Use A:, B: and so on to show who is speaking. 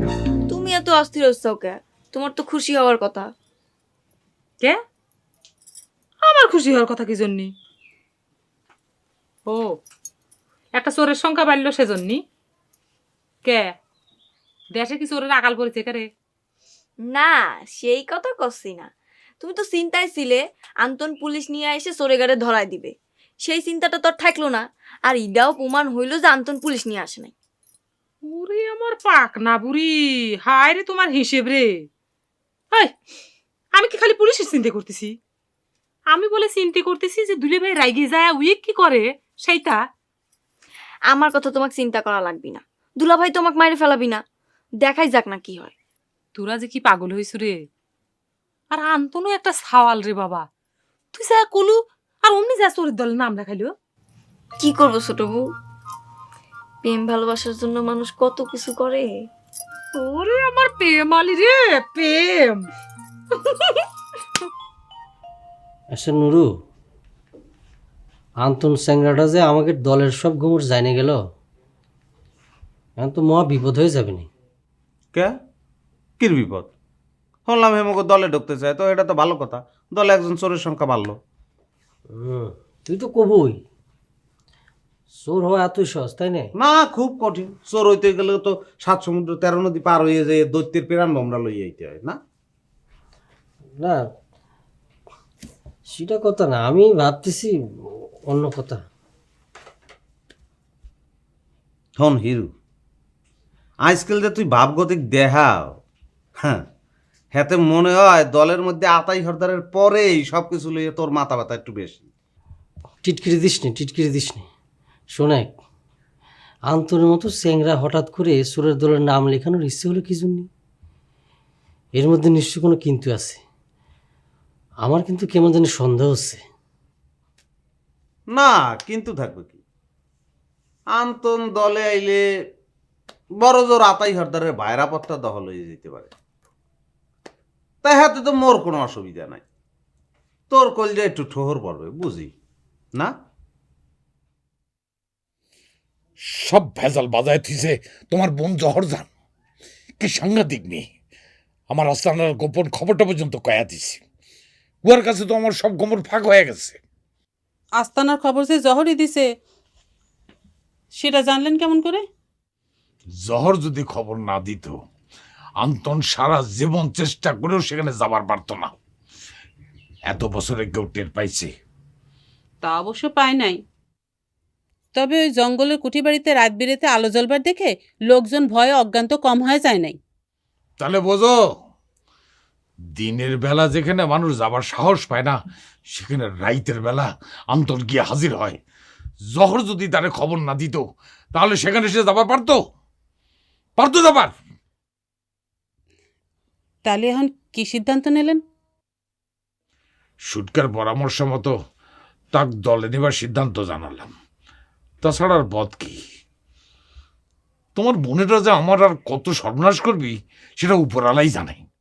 A: তুমি এত অস্থির হচ্ছ কে? তোমার তো খুশি হওয়ার কথা।
B: কে? আমার খুশি হওয়ার কথা কি জন্যে? ও, একটা চোরের সংখ্যা বাড়লো সেজন্যই? কে? দেশে কি চোরের আকাল পড়েছে কে?
A: না, সেই কথা কচ্ছি না। তুমি তো চিন্তায় ছিলে আন্তন পুলিশ নিয়ে এসে চোরেগারে ধরায় দিবে। সেই চিন্তাটা তো আর থাকলো না। আর ইডাও প্রমাণ হইলো যে আন্তন পুলিশ নিয়ে আসে নাই।
B: ওরে আমার পাক না বুড়ি, হায় রে তোমার হিসেব রে। হাই, আমি কি খালি পুলিশের চিন্তা করতেছি? আমি বলে চিন্তা করতেছি যে দুলে ভাই রাইগে যায় উইক কি করে সেইটা।
A: আমার কথা তোমাকে চিন্তা করা লাগবি না। দুলাভাই তোমাকে মাইরে ফেলাবি না। দেখাই যাক না কি হয়।
B: তোরা যে কি পাগল হইছু রে। আর আন্তনও একটা সাওয়াল রে বাবা। তুই যা কলু আর অমনি যা চোরের দলের নাম লেখাইলো।
A: কি করবো ছোট বউ? প্রেম ভালোবাসার জন্য মানুষ কত কিছু করে।
B: ওরে আমার প্রেম আলি রে, প্রেম।
C: আচ্ছা নুরু, আন্তন স্যাংরাটা যে আমাকে দলের সব ঘুমুর জানে গেল, এখন তো মহা বিপদ হয়ে যাবে নি।
D: কে? কির বিপদ? শুনলাম হেমকে দলে ঢুকতে চায়, তো এটা তো ভালো কথা। দলে একজন চোরের সংখ্যা বাড়লো।
C: তুই তো কবই চোর হওয়া এতই সহজ, তাই না?
D: না, খুব কঠিন। চোর হইতে গেলে তো 7 সমুদ্র 13 নদী পার হয়ে যায়, দৈত্যের প্রাণ ভমরা লইয়া আইতে হয় না?
C: না, সেটা কথা না, আমি ভাবতেছি অন্য কথা।
D: হন হিরু, আজকাল যে তুই ভাবগতিক দেখাও, হ্যাঁ, হাতে মনে হয় দলের মধ্যে আতাই হরদারের পরেই সব কিছু লইয়ে তোর মাথা ব্যথা একটু বেশি।
C: টিটকিরি দিস নি, টিটকিরি দিস নি। শোনেক, আন্তনের মতো স্যাংরা হঠাৎ করে চোরের দলের নাম লেখানোর ইচ্ছে হলো কি জন্য? এর মধ্যে নিশ্চয়ই কোনো কিন্তু আছে। আমার কিন্তু কেমন জানি সন্দেহ হচ্ছে।
D: না, কিন্তু থাকবে কি? আন্তন দলে আইলে বড় জোর আতাই হরদারের ভাইরাপত্তা দখল হয়ে যেতে পারে। তাই হাতে তো মোর কোনো অসুবিধা নাই। তোর কলজা একটু ঠোহর পড়বে, বুঝি না?
E: সব ভেজাল বাজায় থিছে তোমার বোন জহরজান। কি সাংঘাতিক মেয়ে! আমার আস্তানার গোপন খবরটা পর্যন্ত কয়া দিছি। উহার কাছে তো আমার সব গোমর ফাঁক হয়ে গেছে।
F: আস্তানার খবর যে জহরই দিছে সেটা জানলেন কেমন করে?
E: জহর যদি খবর না দিত, আন্তন সারা জীবন চেষ্টা করেও সেখানে যাবার পারত না। এত বছরে কেউ টের পাইছে?
F: তা অবশ্য পায় নাই। তবে ওই জঙ্গলের কুঠি বাড়িতে রাত বিরেতে আলো জ্বলবার দেখে লোকজন ভয়ে অজ্ঞান তো কম হয়ে যায় নাই।
E: তাহলে বোঝো, দিনের বেলা যেখানে মানুষ যাবার সাহস পায় না, সেখানে রাইতের বেলা আন্তন গিয়ে হাজির হয়। জহর যদি তারে খবর না দিত, তাহলে সেখানে সে যাবার পারতো? পারতো যাবার?
F: তাহলে এখন কি সিদ্ধান্ত নিলেন?
E: সুটকার পরামর্শ মতো তাক দলে নেবার সিদ্ধান্ত জানালাম। তাছাড়া আর পথ কি? তোমার বোনেরা যে আমার আর কত সর্বনাশ করবি সেটা উপরালাই জানে।